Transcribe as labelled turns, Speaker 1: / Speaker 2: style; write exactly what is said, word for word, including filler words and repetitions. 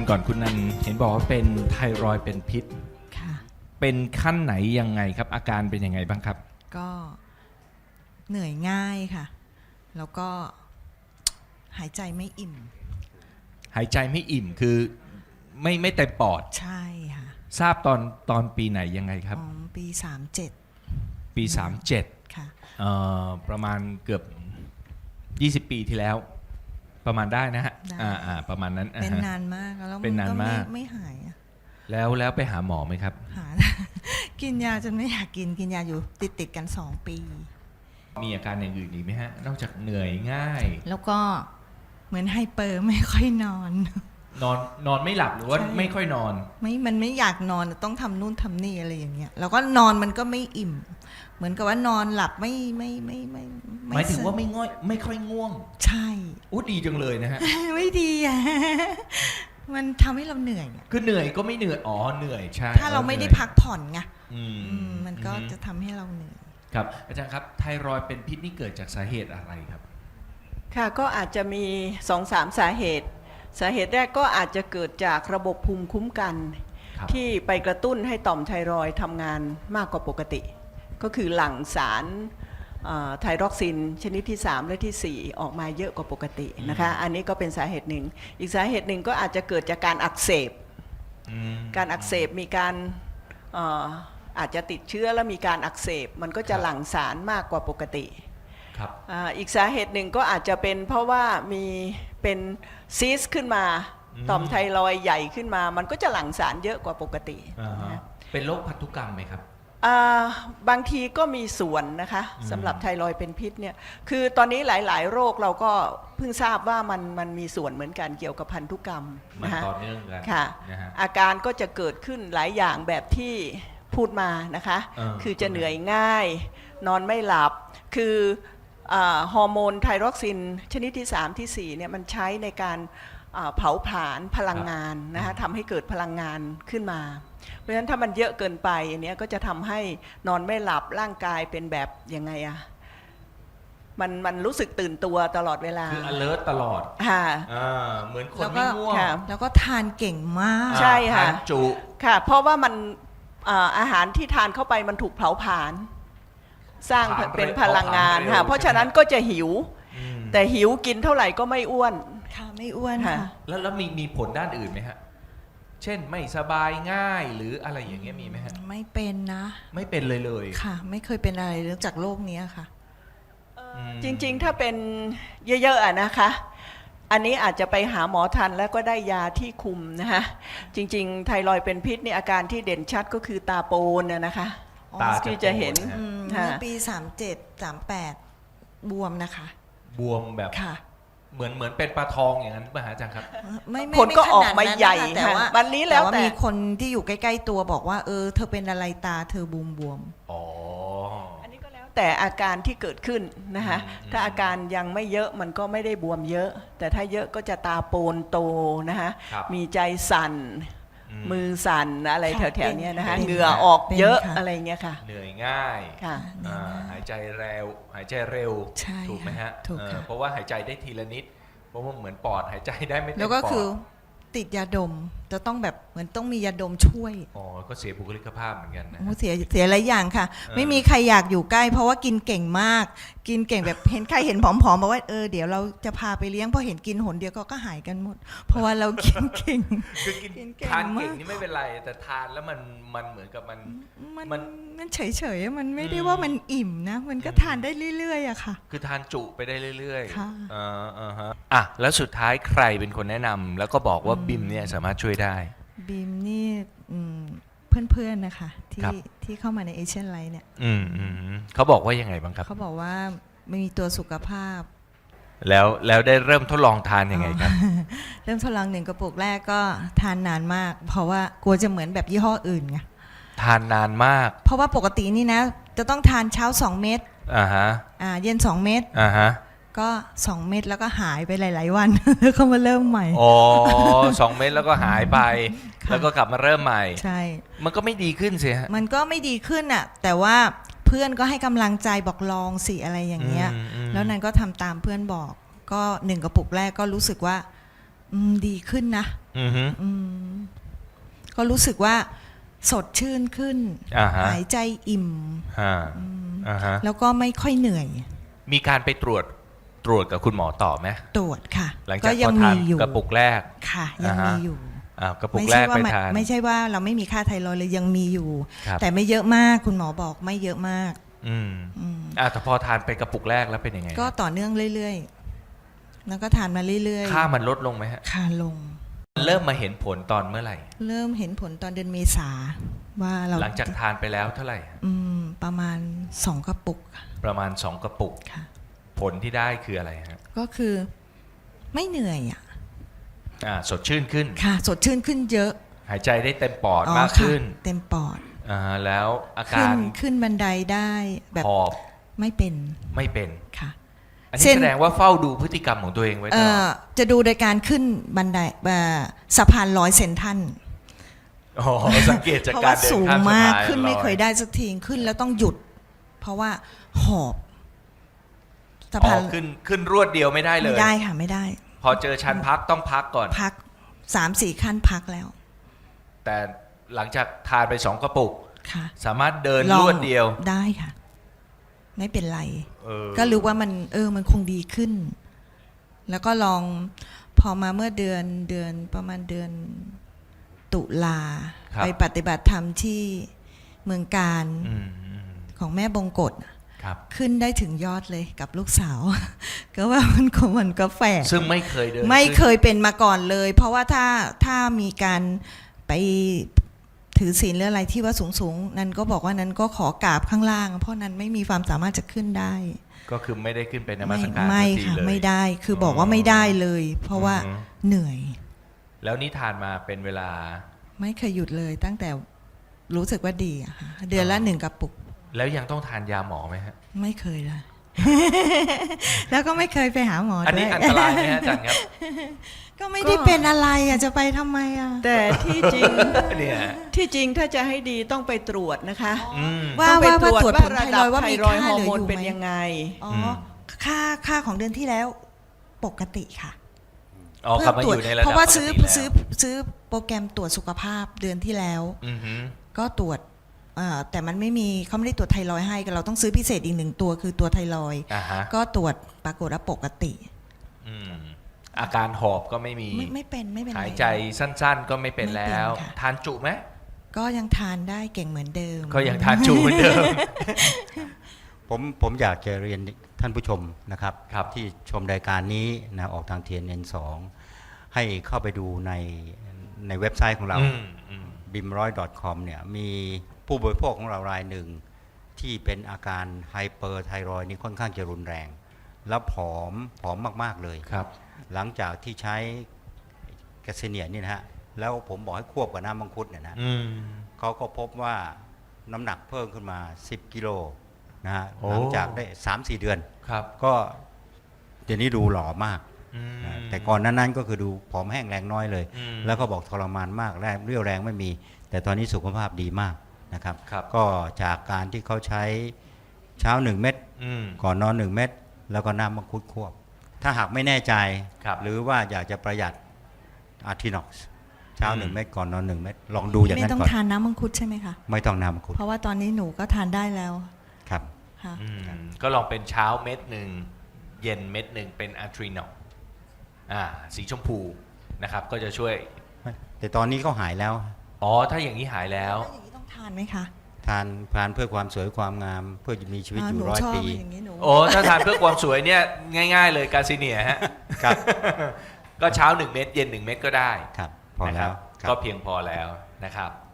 Speaker 1: ก่อนคุณนันเห็นบอกว่าเป็นไทรอยด์เป็นพิษ
Speaker 2: ค่ะ
Speaker 1: เป็นขั้นไหนยังไงครับอาการเป็นยังไงบ้างครับ
Speaker 2: ก็เหนื่อยง่ายค่ะแล้วก็หายใจไม่อิ่ม
Speaker 1: หายใจไม่อิ่มคือไม่ไม่เต็มปอด
Speaker 2: ใช่ค่ะ
Speaker 1: ทราบตอนตอนปีไหนยังไงครับ
Speaker 2: อ๋อปีสามเจ็ด
Speaker 1: ปีสามเจ็ด
Speaker 2: ค่ะ
Speaker 1: เอ่อประมาณเกือบยี่สิบปีที่แล้วประมาณได้นะฮะอ่าอ่าประมาณนั้น
Speaker 2: เป็นนานมากแล้ว
Speaker 1: เป็นนานมาก
Speaker 2: ไม่หายอะ
Speaker 1: แล้วแล้วไปหาหมอไหมครับ
Speaker 2: หา กินยาจนไม่อยากกินกินยาอยู่ติดติดกันสองปี
Speaker 1: มีอาการอย่างอื่นอีกไหมฮะนอกจากเหนื่อยง่าย
Speaker 2: แล้วก็เหมือนไฮเปอร์ไม่ค่อยนอน
Speaker 1: นอนนอนไม่หลับหรือว่าไม่ค่อยนอน
Speaker 2: ไม่มันไม่อยากนอนต้องทำนู่นทำนี่อะไรอย่างเงี้ยแล้วก็นอนมันก็ไม่อิ่มเหมือนกับว่านอนหลับไม่ไม่ไม่ไม่
Speaker 1: หมายถึงว่าไม่ง่อยไม่ค่อยง่วง
Speaker 2: ใช่
Speaker 1: อู้ดีจังเลยนะฮะ
Speaker 2: ไม่ดีอ่ะมันทำให้เราเหนื่อย
Speaker 1: คือเหนื่อยก็ไม่เหนื่อยอ๋อเหนื่อยใช่
Speaker 2: ถ้าเราไม่ได้พักผ่อนไงมันก็จะทำให้เราเหนื่อย
Speaker 1: ครับอาจารย์ครับไทรอยด์เป็นพิษนี่เกิดจากสาเหตุอะไรครับ
Speaker 3: ค่ะก็อาจจะมี สองถึงสาม สาเหตุสาเหตุแรกก็อาจจะเกิดจากระบบภูมิคุ้มกันที่ไปกระตุ้นให้ต่อมไทรอยด์ทำงานมากกว่าปกติก็คือหลั่งสารไทรอกซินชนิดที่สามและที่สี่ออกมาเยอะกว่าปกตินะคะอันนี้ก็เป็นสาเหตุหนึ่งอีกสาเหตุหนึ่งก็อาจจะเกิดจากการอักเสบการอักเสบมีการอาจจะติดเชื้อแล้วมีการอักเสบมันก็จะหลั่งสารมากกว่าปกติอีกสาเหตุหนึ่งก็อาจจะเป็นเพราะว่ามีเป็นซีสขึ้นมาต่อมไทรอยด์ใหญ่ขึ้นมามันก็จะหลั่งสารเยอะกว่าปกติ
Speaker 1: เป็นโรคพันธุกรรมไหมครับ
Speaker 3: บางทีก็มีส่วนนะคะสำหรับไทรอยด์เป็นพิษเนี่ยคือตอนนี้หลายๆโรคเราก็เพิ่งทราบว่ามันมันมีส่วนเหมือนกันเกี่ยวกับพันธุกรรม
Speaker 1: นะคะต่อเนื่องกัน
Speaker 3: ค่ะอาการก็จะเกิดขึ้นหลายอย่างแบบที่พูดมานะคะคือจะเหนื่อยง่ายนอนไม่หลับคือฮอร์โมนไทรอกซินชนิดที่สามที่สี่เนี่ยมันใช้ในการเผาผลาญพลังงานนะคะทำให้เกิดพลังงานขึ้นมาเพราะฉะนั้นถ้ามันเยอะเกินไปอันนี้ก็จะทำให้นอนไม่หลับร่างกายเป็นแบบยังไงอะมันมันรู้สึกตื่นตัวตลอดเวลา
Speaker 1: คือ alert ตลอด
Speaker 3: ค่ะ
Speaker 1: เหมือนคนไม่ง่วง
Speaker 2: แล้วก็ทานเก่งมาก
Speaker 3: ใช่ค่ะ
Speaker 1: ทานจุ
Speaker 3: ค่ะเพราะว่ามันอาหารที่ทานเข้าไปมันถูกเผาผลาญสร้างเป็นพลังงานค่ะเพราะฉะนั้นก็จะหิวแต่หิวกินเท่าไหร่ก็ไม่อ้วน
Speaker 2: ค่ะไม่อ้วนค่ะ
Speaker 1: แล้วแล้วมีมีผลด้านอื่นไหมฮะเช่นไม่สบายง่ายหรืออะไรอย่างเงี้ยมีไหมฮะ
Speaker 2: ไม่เป็นนะ
Speaker 1: ไม่เป็นเลยเลย
Speaker 2: ค่ะไม่เคยเป็นอะไรเรื่องจากโรคนี้ค่ะ
Speaker 3: จริงๆถ้าเป็นเยอะๆอะนะคะอันนี้อาจจะไปหาหมอทันแล้วก็ได้ยาที่คุมนะคะจริงๆไทรอยด์เป็นพิษนี่อาการที่เด่นชัดก็คือตาโปนนะคะ
Speaker 1: ตา
Speaker 3: ที่จะเห็น
Speaker 2: เมื่อปีสามเจ็ด สามแปดบวมนะคะ
Speaker 1: บวมแบบเหมือนเหมือนเป็นปลาทองอย่างนั้นป่ะฮะอาจารย์ครับ
Speaker 3: ไม่ผลก็ออกมาใหญ่
Speaker 2: แต่ว่า
Speaker 3: วันนี้แล้วแต่
Speaker 2: มีคนที่อยู่ใกล้ๆตัวบอกว่าเออเธอเป็นอะไรตาเธอบวมบวม
Speaker 1: อ๋อ
Speaker 3: อันนี้ก็แล้วแต่อาการที่เกิดขึ้นนะคะถ้าอาการยังไม่เยอะมันก็ไม่ได้บวมเยอะแต่ถ้าเยอะก็จะตาโปนโตนะคะมีใจสั่นมือสั่นอะไรแถวๆนี้นะคะเหงื่อออกเยอะอะไรเงี้ยค่ะ
Speaker 1: เหนื่อยง่ายหายใจเร็วหายใจเร็วถูกไหมฮะเพราะว่าหายใจได้ทีละนิดเพราะว่าเหมือนปอดหายใจได้ไม่เต็มปอด
Speaker 2: แล้วก็คือติดยาดมจะต้องแบบเหมือนต้องมียาดมช่วย
Speaker 1: อ๋อก็เสียบุคลิกภาพเหมือนกันนะ
Speaker 2: เสียเสียหลายอย่างค่ะไม่มีใครอยากอยู่ใกล้เพราะว่ากินเก่งมากกินเก่งแบบเห็นใครเห็นผอมๆบอกว่าเออเดี๋ยวเราจะพาไปเลี้ยงพอเห็นกินหนเดียวก็หายกันหมดเพราะว่าเรากินเก่ง
Speaker 1: คือกินทานเก่งนี่ไม่เป็นไรแต่ทานแล้วมันมันเหมือนกับมัน
Speaker 2: มันมันเฉยๆมันไม่ได้ว่ามันอิ่มนะมันก็ทานได้เรื่อยๆอะค่ะ
Speaker 1: คือทานจุไปได้เรื่อย
Speaker 2: ๆค่ะ
Speaker 1: อ่าอ่าฮะอ่ะแล้วสุดท้ายใครเป็นคนแนะนำแล้วก็บอกว่าบิมเนี่ยสามารถช่วยได้
Speaker 2: บิมนี่เพื่อนๆนะคะที่ที่เข้ามาในเอเชียนไลท์เนี่ย
Speaker 1: อืมอืมเขาบอกว่ายังไงบ้างครับ
Speaker 2: เขาบอกว่าไม่มีตัวสุขภาพ
Speaker 1: แล้วแล้วได้เริ่มทดลองทานยังไงครับ
Speaker 2: เริ่มทดลองหนึ่งกระปุกแรกก็ทานนานมากเพราะว่ากลัวจะเหมือนแบบยี่ห้ออื่นไง
Speaker 1: ทานนานมาก
Speaker 2: เพราะว่าปกตินี่นะจะต้องทานเช้าสองเม็ด
Speaker 1: อ่าฮะ
Speaker 2: อ่าเย็นสองเม็ด
Speaker 1: อ่าฮะ
Speaker 2: ก็สองเม็ดแล้วก็หายไปหลายๆวันแล้วก็มาเริ่มใหม่
Speaker 1: อ๋อสองเม็ดแล้วก็หายไปแล้วก็กลับมาเริ่มใหม่
Speaker 2: ใช่
Speaker 1: มันก็ไม่ดีขึ้นสิฮะ
Speaker 2: มันก็ไม่ดีขึ้นอ่ะแต่ว่าเพื่อนก็ให้กำลังใจบอกลองสิอะไรอย่างเงี้ยแล้วนั้นก็ทำตามเพื่อนบอกก็หนึ่งกระปุกแรกก็รู้สึกว่าดีขึ้นนะ
Speaker 1: อือฮึ
Speaker 2: อืมก็รู้สึกว่าสดชื่นขึ้น
Speaker 1: อ่าฮะ
Speaker 2: หายใจอิ่ม
Speaker 1: อ่าอ่าฮะ
Speaker 2: แล้วก็ไม่ค่อยเหนื่อย
Speaker 1: มีการไปตรวจตรวจกับคุณหมอต่อไหม
Speaker 2: ตรวจค่ะ
Speaker 1: หลัง
Speaker 2: ก็
Speaker 1: จาก
Speaker 2: ยั
Speaker 1: พอทาน
Speaker 2: มีอยู่
Speaker 1: กระปุกแรก
Speaker 2: ค่ะ ยัง
Speaker 1: อ่าฮะ
Speaker 2: มีอยู่
Speaker 1: อ่ากระปุก
Speaker 2: ไม่
Speaker 1: แร
Speaker 2: ใช่
Speaker 1: ก
Speaker 2: ว่า
Speaker 1: ไป
Speaker 2: ไม่
Speaker 1: ทาน
Speaker 2: ไม่ใช่ว่าเราไม่มีค่าไทรอยด์เลยยังมีอยู่
Speaker 1: ครับ
Speaker 2: แต่ไม่เยอะมากคุณหมอบอกไม่เยอะมาก
Speaker 1: อืม
Speaker 2: อืม
Speaker 1: อ่าแต่พอทานไปกระปุกแรกแล้วเป็นยังไง
Speaker 2: ก็ต่อเนื่องเรื่อยๆ แล้วก็ทานมาเรื่อยๆ
Speaker 1: ค่ามันลดลงไหมฮะ
Speaker 2: ค่าลง
Speaker 1: เริ่มมาเห็นผลตอนเมื่อไหร่
Speaker 2: เริ่มเห็นผลตอนเดือนเมษาว่าเรา
Speaker 1: หลังจากทานไปแล้วเท่าไหร่
Speaker 2: อืมประมาณสองกระปุกค่ะ
Speaker 1: ประมาณสองกระปุก
Speaker 2: ค่ะ
Speaker 1: ผลที่ได้คืออะไรฮะ
Speaker 2: ก็คือไม่เหนื่อยอ่ะ
Speaker 1: อ่าสดชื่นขึ้น
Speaker 2: ค่ะ สดชื่นขึ้นเยอะ
Speaker 1: หายใจได้เต็มปอด
Speaker 2: อ๋อ
Speaker 1: มาก
Speaker 2: ค่ะ
Speaker 1: ขึ้น
Speaker 2: เต็มปอด
Speaker 1: อ่าแล้วอา
Speaker 2: ขึ้
Speaker 1: กาน ร
Speaker 2: ขึ้นบันไดได้แบบ
Speaker 1: หอบ
Speaker 2: ไม่เป็น
Speaker 1: ไม่เป็น
Speaker 2: ค่ะ
Speaker 1: อัน
Speaker 2: เส้
Speaker 1: นี้
Speaker 2: น
Speaker 1: แสดงว่าเฝ้าดูพฤติกรรมของตัวเองไว้ต
Speaker 2: เอ่
Speaker 1: ลอ
Speaker 2: อ
Speaker 1: ด
Speaker 2: จะดูโดยการขึ้นบันไดเอ่อสะพานร้อยเซนทรัน
Speaker 1: อ๋อสังเกตจาก
Speaker 2: เพราะ
Speaker 1: การ
Speaker 2: ว่า
Speaker 1: เดิน
Speaker 2: สูง
Speaker 1: ข้ามสะ
Speaker 2: มาก
Speaker 1: พาน
Speaker 2: ขึ้นไม่
Speaker 1: ลอ
Speaker 2: เคยได้สักทีขึ้นแล้วต้องหยุด เพราะว่าหอบสะ
Speaker 1: อ๋
Speaker 2: พา
Speaker 1: อน ขึ้นขึ้นรวดเดียวไม่ได้เล
Speaker 2: ไม่
Speaker 1: ย
Speaker 2: ได้ค่ะไม่ได้
Speaker 1: พอเจอชันพักต้องพักก่อน
Speaker 2: พักสามสี่ขั้นพักแล้ว
Speaker 1: แต่หลังจากทานไปสองกระปุก
Speaker 2: ค่ะ
Speaker 1: สามารถเดิน
Speaker 2: ลอง
Speaker 1: รวดเดียว
Speaker 2: ได้ค่ะ ไม่เป็นไร
Speaker 1: เออ
Speaker 2: ก็รู้ว่ามันเออมันคงดีขึ้น แล้วก็ลองพอมาเมื่อเดือนเดือนประมาณเดือนตุลา
Speaker 1: ครับ
Speaker 2: ไปปฏิบัติธรรมที่เมืองการ
Speaker 1: อืมอืม
Speaker 2: ของแม่บงกฎ
Speaker 1: ครับ
Speaker 2: ขึ้นได้ถึงยอดเลยกับลูกสาว ก็ว่ามันก็มันก็แฝง
Speaker 1: ซึ่งไม่เคยเดิน
Speaker 2: ไม่
Speaker 1: ขึ้น
Speaker 2: เคยเป็นมาก่อนเลย เพราะว่าถ้าถ้ามีการไปถือศีลหรืออะไรที่ว่าสูงสูงๆนั้นก็บอกว่านั้นก็ขอกราบข้างล่าง เพราะนั้นไม่มีความสามารถจะขึ้นได้
Speaker 1: ก็คือไม่ได้ขึ้นไปนมั
Speaker 2: ไม่
Speaker 1: สการ
Speaker 2: ไม่
Speaker 1: สักที
Speaker 2: ค่ะ
Speaker 1: เลย
Speaker 2: ไม่ได้คือบอกว่าไม่ได้เลย เพราะว่า
Speaker 1: อือฮึ
Speaker 2: เหนื่อย
Speaker 1: แล้วนี่ทานมาเป็นเวลา
Speaker 2: ไม่เคยหยุดเลย ตั้งแต่รู้สึกว่าดีอะค่ะเดือนละหนึ่งกระปุก
Speaker 1: แล้วยังต้องทานยาหมอไหมฮะ
Speaker 2: ไม่เคยเลย แล้วก็ไม่เคยไปหาหมอ
Speaker 1: อันนี้
Speaker 2: ด้วย
Speaker 1: อันตรายไหมฮะอาจารย์ครับ
Speaker 2: ก็ไม่ได้เป็นอะไรอ่ะจะไปทำไมอ่ะ
Speaker 3: แต่ที่จริง
Speaker 1: เนี่ย
Speaker 3: ที่จริงถ้าจะให้ดีต้องไปตรวจนะคะ
Speaker 1: อืม
Speaker 2: ว่า
Speaker 3: ต้องไป
Speaker 2: ว่า
Speaker 3: ตรวจ
Speaker 2: ว่าตรวจ
Speaker 3: ว่า
Speaker 2: ผล
Speaker 3: ระ
Speaker 2: ไท
Speaker 3: ดั
Speaker 2: ร
Speaker 3: บ
Speaker 2: อยด์ว่า
Speaker 3: ไท
Speaker 2: มี
Speaker 3: รอยด์
Speaker 2: ค่า
Speaker 3: ฮอ
Speaker 2: เห
Speaker 3: ร์
Speaker 2: ลือ
Speaker 3: โมน
Speaker 2: อยู่
Speaker 3: เป็น
Speaker 2: ไหม
Speaker 3: ยังไง
Speaker 2: อ๋อ
Speaker 1: ม
Speaker 2: ค่าค่าของเดือนที่แล้วปกติค่ะ
Speaker 1: อ๋อกลับมาอยู่ในระดับ
Speaker 2: เพราะว่าซื้อ
Speaker 1: ปกติแล้ว
Speaker 2: ซื้อซื้อโปรแกรมตรวจสุขภาพเดือนที่แล้ว
Speaker 1: อือฮึ
Speaker 2: ก็ตรวจเอ่อแต่มันไม่มีเขาไม่ได้ตรวจไทรอยด์ให้เราต้องซื้อพิเศษอีกหนึ่งตัวคือตัวไทรอยด์
Speaker 1: อ่าฮะ
Speaker 2: ก็ตรวจปรากฏว่าปกติ
Speaker 1: อืมอาการหอบก็ไม่มี
Speaker 2: ไม่ไม่เป็นไม่เป็นไร
Speaker 1: หายใจสั้นๆ ก็ไม่เป็น
Speaker 2: ไม่เป็น
Speaker 1: แล้ว
Speaker 2: ค่ะ
Speaker 1: ทานจุไหม
Speaker 2: ก็ยังทานได้เก่งเหมือนเดิม
Speaker 1: ก็ยังทานจุเหมือนเดิม
Speaker 4: ผมผมอยากจะเรียนท่านผู้ชมนะครับ
Speaker 1: ครับ
Speaker 4: ที่ชมรายการนี้นะออกทาง ที เอ็น เอ็น สอง ให้เข้าไปดูในในเว็บไซต์ของเรา
Speaker 1: อืมอืม
Speaker 4: บิมร้อย ดอท คอม เนี่ยมีผู้บริโภคของเรารายหนึ่ง ที่เป็นอาการไฮเปอร์ไทรอยด์นี่ค่อนข้างจะรุนแรง แล้วผอมผอมมาก ๆ เลย
Speaker 1: ครับ
Speaker 4: หลังจากที่ใช้แกสเนียนี่นะฮะแล้วผมบอกให้ควบกับน้ำมังคุดเนี่ยนะ
Speaker 1: อืม
Speaker 4: เขาก็พบว่าน้ำหนักเพิ่มขึ้นมา สิบ กิโลนะฮะ
Speaker 1: โอ้
Speaker 4: หลังจากได้ สามสี่ เดือน
Speaker 1: ครับ
Speaker 4: ก็เดี๋ยวนี้ดูหล่อมาก
Speaker 1: อืม
Speaker 4: นะแต่ก่อนนั้นนั้นก็คือดูผอมแห้งแรงน้อยเลย
Speaker 1: อืม
Speaker 4: แล้วก็บอกทรมานมากแรงเรี่ยวแรงไม่มี แต่ตอนนี้สุขภาพดีมากนะครับ
Speaker 1: ครับ
Speaker 4: ก็จากการที่เขาใช้เช้า หนึ่ง เม็ด
Speaker 1: อืม
Speaker 4: ก่อนนอน หนึ่ง เม็ดแล้วก็น้ำมังคุดควบ ถ้าหากไม่แน่ใจ
Speaker 1: ครับ
Speaker 4: หรือว่าอยากจะประหยัดอาร์ทินอกซ์เช้า
Speaker 1: อืม
Speaker 4: หนึ่ง เม็ดก่อนนอน หนึ่ง เม็ดลองดูอย่าง
Speaker 2: ไม่
Speaker 4: นั้น
Speaker 2: ต้อง
Speaker 4: ก่อน
Speaker 2: ทานน้ำมังคุดใช่ไหมคะ
Speaker 4: ไม่ต้องน้ำมังคุด
Speaker 2: เพราะว่าตอนนี้หนูก็ทานได้แล้ว
Speaker 4: ครับ
Speaker 2: ค่ะ
Speaker 1: อืมก็ลองเป็นเช้าเม็ดหนึ่งเย็นเม็ดหนึ่งเป็นอะทรีนอลอ่าสีชมพูนะครับ ก็จะช่วย
Speaker 4: แต่ตอนนี้เขาหายแล้ว
Speaker 1: อ๋อ ถ้าอย่างนี้หายแล้ว
Speaker 2: แล้วอย่างนี้ต้องทานไหมคะ
Speaker 4: ทานทานเพื่อความสวยความงาม เพื่อจะมีชีวิต
Speaker 2: อ่า
Speaker 4: อ
Speaker 2: ห
Speaker 4: ยู่
Speaker 2: นู
Speaker 4: ร้อย
Speaker 2: ชอบ
Speaker 4: ปี
Speaker 2: อย่างนี้หนู
Speaker 1: โอ้ ถ้าทานเพื่อความสวยเนี่ยง่าย ๆ เลยกาซิเนียฮะ
Speaker 4: ครับ
Speaker 1: ก็เช้าหนึ่งเม็ดเย็นหนึ่งเม็ดก็ได้
Speaker 4: ครับ พอ
Speaker 1: นะค
Speaker 4: แล้
Speaker 1: รับ
Speaker 4: วครับ
Speaker 1: ก็เพียงพอแล้วนะครับ